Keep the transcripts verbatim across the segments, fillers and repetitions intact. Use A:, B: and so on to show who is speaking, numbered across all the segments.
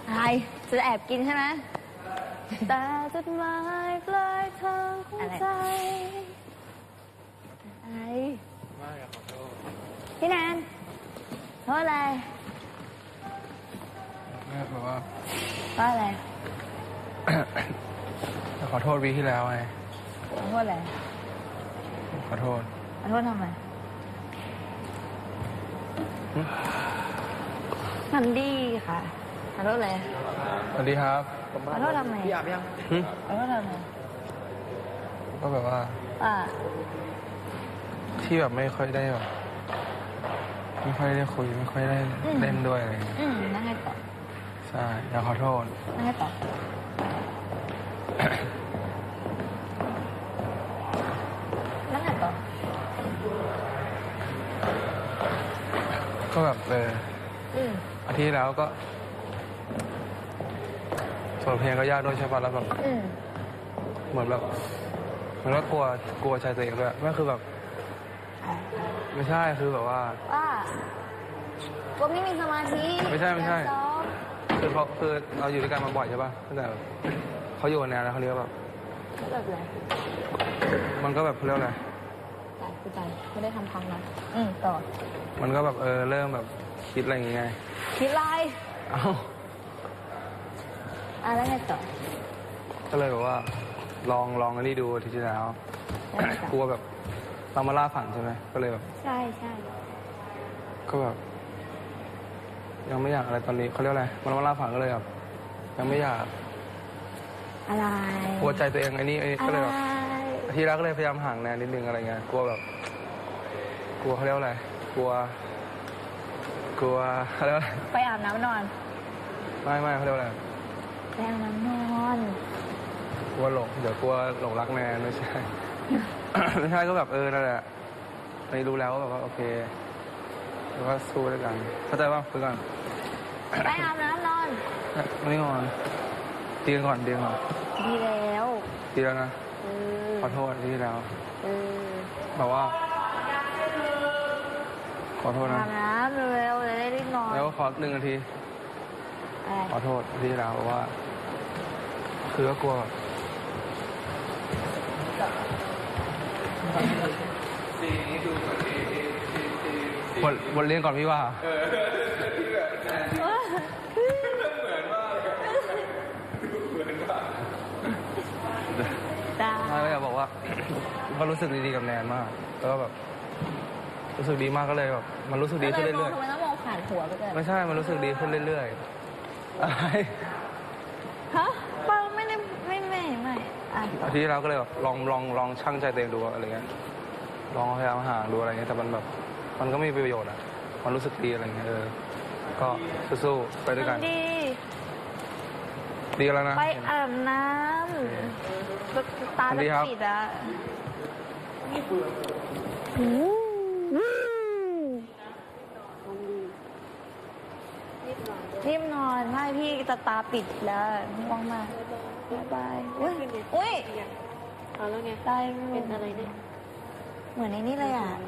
A: อะไรจะแอบกินใช่ไหมแต่จดหมายปลายทางของใจอะไรไม่ขอโทษพี่แนนเพราะอะไร
B: แม่บอกว่า
A: เพราะอะไร
B: ขอโทษวีที่แล้วไง
A: ขอโทษอะไร
B: ขอโทษ
A: ขอโทษทำไมทำดีค่ะขอโทษอะไร
B: สวัสดีครับ
A: ขอโทษทำไม
B: พี่อาบยัง
A: ขอโทษทำไม
B: ก็แบบว่า
A: อ่า
B: ที่แบบไม่ค่อยได้แบบไม่ค่อยได้คุยไม่ค่อยได้เล่นด้วยอะไรอย่างเงี้ย
A: อืมนั่งให้ต่อ
B: ใช่อยากขอโทษ
A: นั่งให้ต่อนั่งให้ต่อ
B: ก็แบบเอออาทิตย์แล้วก็ส่วนเพลงก็ยากด้วยใช่ป่ะแล้วแบบเหมือนแบบมันก็กลัวกลัวใจตัวเองด้วยไม่คือแบบไม่ใช่คือแบบว่า
A: ว่ากลัวไม่มีสมาธิ
B: ไม่ใช่ไม่ใช่คือเขาคือเราอยู่ด้วยกันมาบ่อยใช่ป่ะตั้งแต่เขาอยู่ในอะไรเขาเรียกแบบ
A: แบบอะไร
B: มันก็แบบเขาเรียกอะไร
A: ใจคือใจไม่ได้ทำพังนะอืมต่อ
B: มันก็แบบเออเริ่มแบบคิดอะไรอย่างเงี้ย
A: คิดอะไร
B: เอ้า
A: อะไรไงต่อ
B: ก็เลยแบบว่าลองลองอันนี้ดูทีที่แล้วกลัวแบบเรามาล่าฝันใช่ไหมก็เลยแบบ
A: ใช่ใช่
B: ก็แบบยังไม่อยากอะไรตอนนี้เขาเรียกอะไรมันมาล่าฝันก็เลยแบบยังไม่อยาก
A: อะไร
B: กลัวใจตัวเองไอ้นี่ไอ้ก็เลยแบบทีแรกก็เลยพยายามห่างแนนนิดนึงอะไรเงี้ยกลัวแบบกลัวเขาเรียกอะไรกลัวกลัวเขาเรียกอะไร
A: ไปอาบน้ำนอน
B: ไม่ไม่เขาเรียกอะไร
A: ไปอาบน้ำนอน
B: กลัวหลงเดี๋ยวกลัวหลงรักแนนไม่ใช่ไม่ใช่ก็แบบเออนั่นแหละไม่รู้แล้วแบบว่าโอเคแล้วก็สู้ด้วยกันเข้าใจป่ะคือกัน
A: ไปอาบน้ำนอน
B: ไม่นอนตีกันก่อนตีกันก่อน
A: ดีแล้ว
B: ดีแล้วนะขอโทษที่แล้วแบบว่าขอโทษนะ
A: อาบน้ำเร็วๆจะได้รีบนอน
B: แล้วขอหนึ่งนาทีขอโทษที่แล้วเพราะว่าคือก็กลัวแบบบทบทเรียนก่อนพี่ว่าไม่ก็อยากบอกว่าก็รู้สึกดีๆกับแนนมากแล้วก็แบบรู้สึกดีมากก็เลยแบบมันรู้สึกดีขึ้นเรื่อยๆ
A: ทำไมต้องมองผ่านหัวไปกัน
B: ไม่ใช่มันรู้สึกดีขึ้นเรื่อยๆอะไร
A: ฮะเปล่าไม่ได้ไม่ไม่ไม่
B: อาทิตย์แล้วก็เลยแบบลองลองลองชั่งใจตัวเองดูอะไรเงี้ยลองพยายามห่างดูอะไรเงี้ยแต่มันแบบมันก็ไม่มีประโยชน์อ่ะมันรู้สึกดีอะไรเงี้ยเออก็สู้ๆไปด้วยกัน
A: ดี
B: ดีแล้วนะ
A: ไปอาบน้ำตาจะปิดอ่ะรีบนอนไม่พี่จะตาปิดแล้วง่วงมากบายบายอุ้ยอุ้ย
C: เอาแล้วไง
A: ตาย
C: เป็นอะไรเนี่ย
A: เหมือนในนี้เลยอ่ะ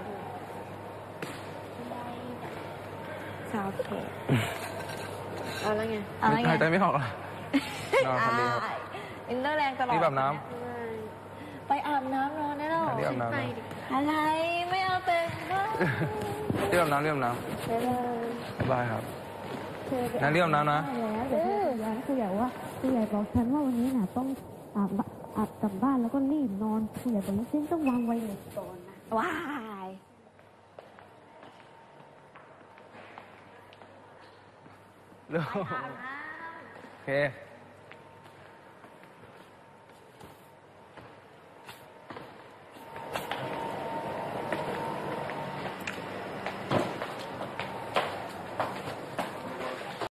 A: สาวเพจ
C: เอาแล้วไง
A: เอาแล้วไง
B: หายใจไม่ออกอ่ะนอนคนเดียว
A: อินเตอร์แรงตลอด
B: รีบอาบน้
A: ำไปอาบน้ำนอนได้หรอ
B: รีบอาบน้ำ
A: อะไรไม่เอาเต็มก็
B: รีบอาบน้ำรีบอาบน้ำบายครับนั่นเรียบน้ำนะ
D: แล้วเดี๋ยวแล้วคือใหญ่ว่าคือใหญ่บอกฉันว่าวันนี้น่ะต้องอาบอาบกลับบ้านแล้วก็รีบนอนคือใหญ่บอกว่าฉันต้องวางไว้ในก่อนนะ
A: ว้าย
B: เร็วโอเค